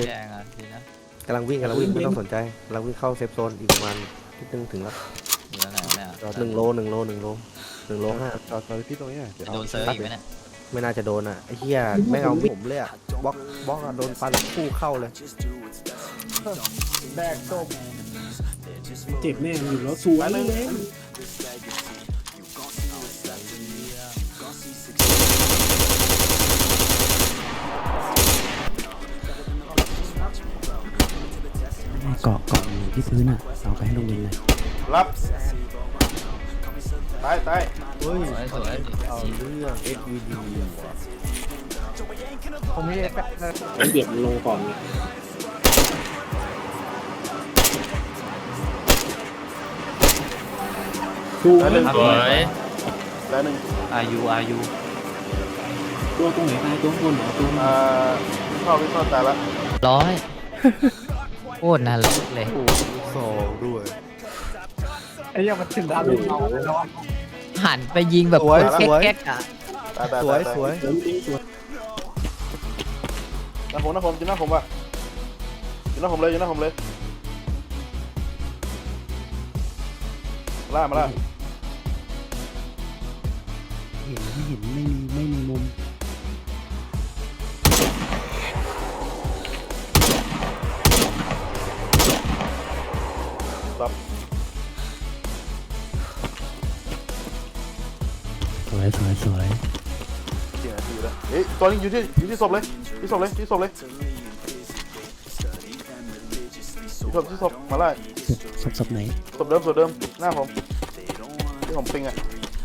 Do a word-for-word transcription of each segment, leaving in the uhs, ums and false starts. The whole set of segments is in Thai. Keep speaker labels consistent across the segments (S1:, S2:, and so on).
S1: แดงอ่ะดีนะ
S2: กำลังวิ่งกำลังวิ่งไม่ต้องสนใจกำลังวิ่งเข้าเซฟโซนอีกประมาณนิดนึงถึงแล้ว
S1: อยู่แล้วไหนเนี่ย
S2: หนึ่งโลหนึ่งโลหนึ่งโลหนึ่งโลห้า
S3: จอดจอดพี่ตรงนี้เดี๋ยว
S1: โดนเซิร์ฟอีกไหมเนี่ย
S2: ไม่น่าจะโดนอ่ะไอ้เหี้ยไม่เอาผมเลยอ่ะบล็อกบล็อกอะโดนฟันคู่เข้าเลย
S4: แบกศพ
S5: เจ็บแน่อยู่แล้วสวยเลย
S6: เกาะเกาะอยู่ที่พื้นอ่ะเอาไปให้โรงเรียนเลย
S3: รับตายตาย
S2: เฮ้ย
S1: สวยสวย
S2: เอาเรื่อง เอส วี ดี ว่ะ
S4: ผมมีเอฟเฟกต์
S5: มันเบียดมันลงก่อนไงดู
S3: ตายหนึ่ง
S1: สวย
S3: ตายหนึ่ง
S1: อายุอายุ
S5: ตัวตรงไหนตายตัวบนเหรอตัว
S3: อ่าวิ่งเข้าวิ่งเข้าตายละ
S1: ร้อยโคตรน่ารักเลย
S2: โอ้สองด้วย
S4: ไอ้ยังมันถึงดาวเราแล้ว
S1: หันไปยิงแบบ
S2: สวยสวย
S1: แก๊กๆอ่ะ
S3: ตายตาย
S2: สวย
S3: ตา
S2: สวย
S5: เสริมจริงสวย
S3: หน้าผมหน้าผมจิ้มหน้าผมว่ะจิ้มหน้าผมเลยจิ้มหน้าผมเลยล่ามาล่า
S6: เห็นไม่เห็นไม่มีไม่มีมุม
S3: รับ
S6: สวยสวยสวย
S3: สี่นาทีแล้วเฮ้ยตัวนี้อยู่ที่อยู่ที่ศพเลยที่ศพเลยที่ศพเลยที่ศพที่ศพมาไล่
S6: ศพศพไหน
S3: ศพเดิมศพเดิมหน้าผมที่ผมปิงอ่ะ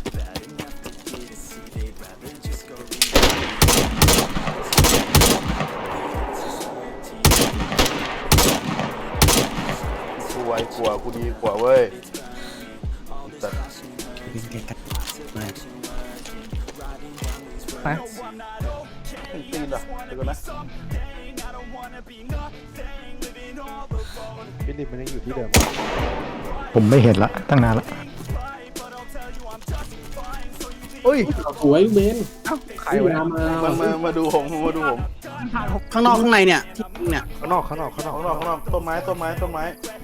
S3: กูไวกว่ากูดีกว่าเว้ยแต่
S6: เป็นแกกัดมา
S4: ไป
S3: ตีนอ่ะเดี๋ยวก่อนนะ
S4: ฟิลิปมันยังอยู่ที่เดิม
S7: ผมไม่เห็นละตั้งนานละ
S2: เฮ้ย
S5: สวยเบน
S4: ใครวะ
S5: มา
S3: มามามาดูผมมาดูผม
S5: ข้างนอกข้างในเนี่ยที่เนี่ย
S2: ข้างนอกข้างนอกข้างนอก
S3: ข้างนอกข้างนอกต้นไม้ต้นไม้ต้นไม้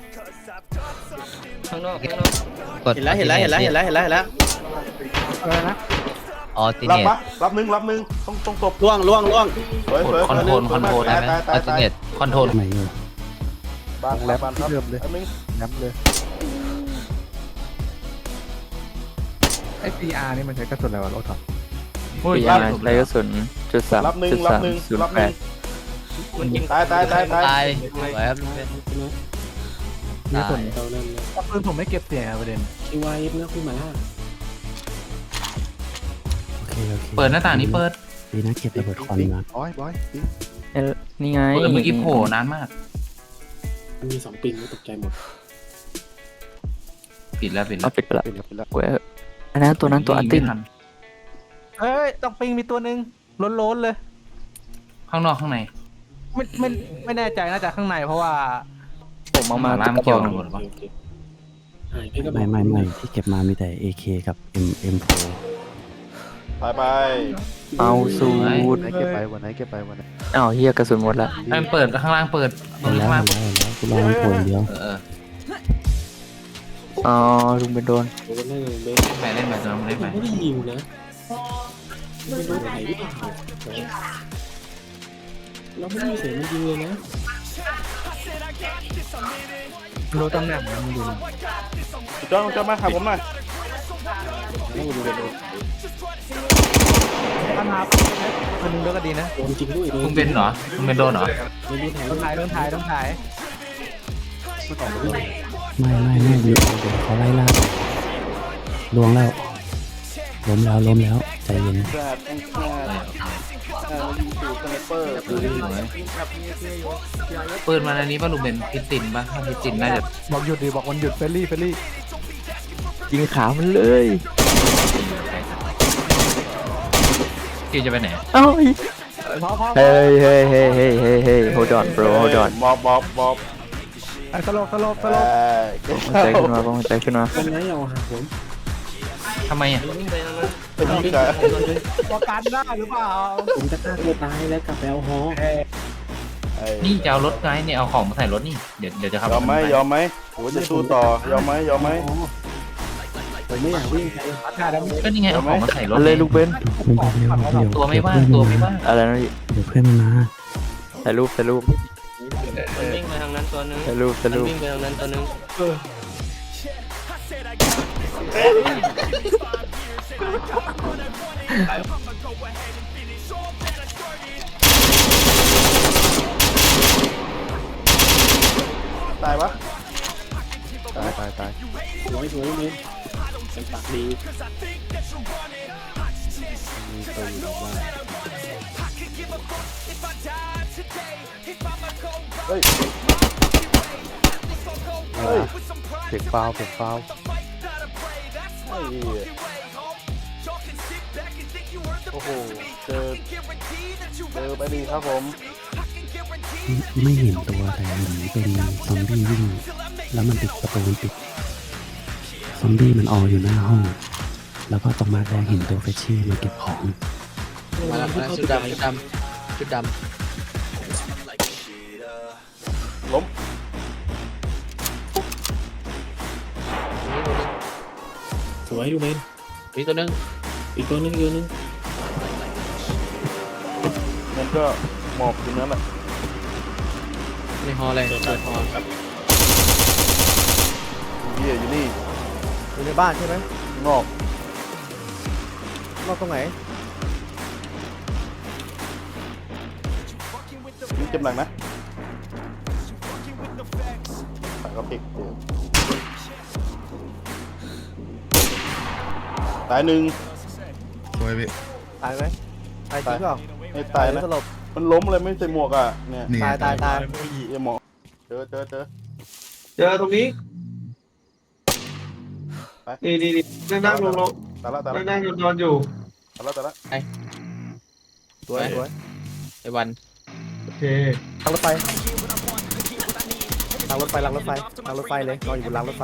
S1: ข้างนอกข้างนอกกด
S5: เห็นแล้วเห็นแล้วเห็นแล้วเห็นแล้วเห็นแล้วเห็นแล้ว
S4: อะไรนะ
S1: ออติ
S3: รับ
S1: เนต
S3: ปะรับหนึ่งรับหนึ่งต้องต้องตบ
S5: ล่วงล่วงล่วง
S3: สวยสวย
S1: คอนโทรลคอนโทรลได้ไหม
S3: ตาย
S1: อ
S3: ตาย
S1: อติ
S3: ตาย
S1: เนตคอนโทรล
S6: ไหนอยู่
S3: บานแล้วบานครับอันนึง
S4: ย้ำเลยไอ้ ซี อาร์ นี่มันใช้กระสุนอะไรวะรถถัง
S7: ปีอาร์ไรกระสุนจุดสาม
S3: รับหนึ่ง
S7: จุด
S3: รับ
S7: สาม
S3: หนึ่ง
S7: ศูน
S3: รับ
S7: ย์
S3: ห
S7: แป
S3: นึ่
S7: ด
S3: ง
S1: มันยิง
S3: ตายตายตายตาย
S1: ตายสวยครับลุงเบน
S5: นี่
S1: ตาย
S5: ส่วนเราเริ่มเลย
S4: ปืนผมไม่เก็บเสียงประเด็น
S5: คิวไอเอฟนะคุณหมาล่า
S6: โอเคโอเค
S8: เปิดหน้าต่างนี้เปิด
S6: ดีนะเก็บระเบิดควันมา
S4: บอยบอย
S7: เอ้ยนี่ไง
S8: เปิดเมื่อกี้โผล่นานมาก
S5: มันมีสองปิงก็ตกใจหมด
S8: ปิดแล้วปิดแล้
S7: เอา
S8: ว
S7: ปิดไปละ
S4: เป็นแล้วเป็นแล้ว
S7: เว้ยอันนั้นตัวนั้นตัวอันติ
S8: ยิ
S7: ง
S8: งไม่ทัน
S4: เอ้ยต้องปิงมีตัวหนึ่งล้นๆเลย
S8: ข้างนอกข้างใน
S4: ไม่ไม่ไม่แน่ใจน่าจะข้างในเพราะว่า
S7: ผมเอามา
S8: ล่า
S7: ติด
S8: ม
S7: กระ
S8: เกี่
S7: บ
S8: ยว
S7: อก
S8: ตำรวจวะ
S5: โอเคหายไปก็
S6: ไม่ไม่ไม่ที่เก็บมามีแต่ เอ เค กับ M เอ็มโฟ
S3: ตายไป
S7: เอาสูตร
S4: วันไหนเก็บไปวันไหนเก็บไปวันไหน
S7: อ้าวเฮียกระสุนหมดละ
S8: ให้มันเปิดข้างล่างเปิด
S6: เห็นแล้ว
S8: ข้าง
S6: เห็
S8: ล่าง
S6: นแล้วเห็นแล้วกูรอมันโผล่อย่างเดียว
S8: เออเออ
S7: อ๋อลุงเป็นโดน
S5: โดนได้เลยเบน
S8: ไปเล่นไปตอนนั้นเล่นไป
S5: ไม่ได้ยิงนะไม่รู้ไหนหรือเปล่าเราไม่ได้ยินเสียงมันยิงเลยนะ
S4: รู้ตำแหน่งมันอยู่
S3: จ้องจ้องมาหาผมหน่อย
S5: ต้องดูเลย
S4: ปัญหาคนนึงก็ดีนะ
S5: โดนจริงด้วยโดน
S8: มึงเป็นเหรอมึงเป็นโดนเหรอ
S5: ไม่ได้แทง
S4: ต้องถ่ายต้องถ่ายต้องถ่าย
S6: ไม่ไม่ไม่อยู่เดี๋ยวเขาไล่ล่าลวงแล้วล้มแล้วล้มแล้วใจเย็น
S3: แซดแองแซดเอ่อยิงสู่สไนเปอร์
S8: เออสวยเปิดมาในนี้ป่ะลุงเป็นพิตินป่ะถ้าพิตินน่าจะ
S4: บอกหยุดดิบอกวันหยุดเฟรลี่เฟรลี่
S7: ยิงขามันเลย
S8: คิวจะไปไหน
S7: เอ้า
S4: พอพอ
S7: เฮ้ยเฮ้ยเฮ้ยเฮ้ยเฮ้ยเฮ้ย hold on bro hold on
S3: มอบมอบมอบ
S4: สลบสลบส
S3: เอ
S4: ลบ
S3: อ
S7: ใจขึ้นมาป้องใจขึ้นมา
S5: เป็นไงเอาหาผม
S8: ทำไมอ่ะ
S3: เป็นยิงกัน
S4: ประกันได้หรือเปล่า
S5: ผมจะฆ่าตัวตายแล้วกลับไปเอาฮอ
S3: เออ้
S8: นี่จะเอารถไงเนี่ยเอาของมาใส่รถนี่เดี๋ยวเดี๋ยวจะขับ
S3: ยอมไหมยอมไหมหรือว่าจะสู้ต่อยอมไหมยอมไหม
S2: ผมไม่อยากวิ่ง
S8: ก็นี่ไงเอาของมาใส่รถ
S7: เอาเลยลูกเบน
S6: มึงบอกเร็วเดี๋ยว
S8: ตัวไม่ว่างตัวไม่ว่าง
S7: อะไรนะพี่
S6: เดี๋ยวเพื่อนมันมา
S7: ถ่ายรูปถ่ายรูป
S5: มันวิ่งไปทางนั้นตัวนึง
S7: ถ่ายรูปถ่าย
S5: มัน
S7: รูป
S5: วิ่งไปทางนั้นตัวนึง
S3: ตายปะ
S2: ตายตายตาย
S5: สวยสวยเลยเป็นปากดี
S2: มีตัวอยู่บ้าน
S3: เฮ้ย
S2: เฮ้ยเสียงฟาวเสียงฟาว
S3: ไอ้เหี้ยโอ้โหเจอเจอไปดีครับผม
S6: ไม่เห็นตัวแต่เห็นเป็นซอมบี้วิ่ง แล้วมันปิดประตูมันปิด ซอมบี้มันอออยู่หน้าห้อง แล้วก็ตรงมาแดงเห็นตัวเฟชชี่มาเก็บของ
S5: มาแล้วชุดดำชุดดำชุดด
S3: ล้ม
S5: ำสวยดูเบนอีกตัวนึงอีกตัวนึงอีกตัวนึง
S3: มันก็หมอบอยู่นั่นแหละ
S5: ในฮอเลยเปิดฮอครับ
S3: เหี้ยอยู่นี่
S2: อยู่ในบ้านใช่ไหม
S3: งอก
S2: นอกตรงไหน
S3: นี่เจ็บหนักนะตายก็พลิกเดี๋ยวตายหนึ่ง
S2: ตายไหมตายจริงเปล่า
S3: ไม่ตายนะ
S2: สลบ
S3: มันล้มเลยไม่ใส่หมวกอ่ะเนี่ย
S2: ตายตายตาย
S3: เหี้ยหมอเจอเจอเจอ
S9: เจอตรงนี้นี่นี่นี่นั่งนั่งลงลง
S3: ตายละตายละ
S9: นั่งนั่งนอนอยู่
S3: ตายละตายละ
S2: สวยสวย
S5: ไอ้วัน
S9: โอเค
S2: ทางรถไฟทางรถไฟรางรถไฟรางรถไฟเลยนอนอยู่บนรางรถไฟ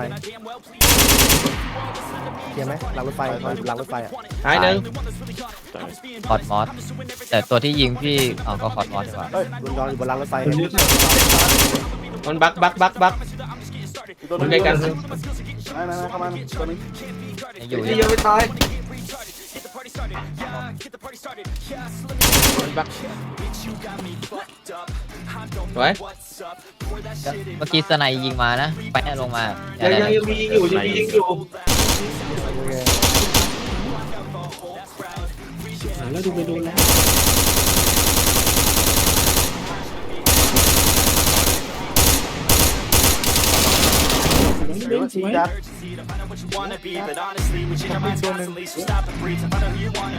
S2: เห็นไหมรางรถไฟนอนอยู่บนรางรถไฟอ่ะ
S5: หายหนึ่ง
S1: คอร์ดมอสแต่ตัวที่ยิงพี่เอาก็คอร์ดมอสดีกว่า
S3: เฮ้ย
S2: นอนอยู่บนรางรถไฟ
S9: คนนี้
S5: มันบักบักบักบัก
S3: อีกตัวห
S5: มัน
S3: นึง
S5: ใกล้กัน
S3: นั่นนั่นเข้ามาตัวนึง
S1: ยังอยู่
S9: นี่ยังไม่ตาย
S5: มันบักสวย
S1: เมื่อกี้สไนยิงมานะไปแน่ลงมา
S9: ยังยังยังมียิงอยู่ยังมียิงอยู่
S5: แล้วดูไปดูแล้ว
S3: เดี๋ยวชี้จัด
S2: ตัวหนึ่ง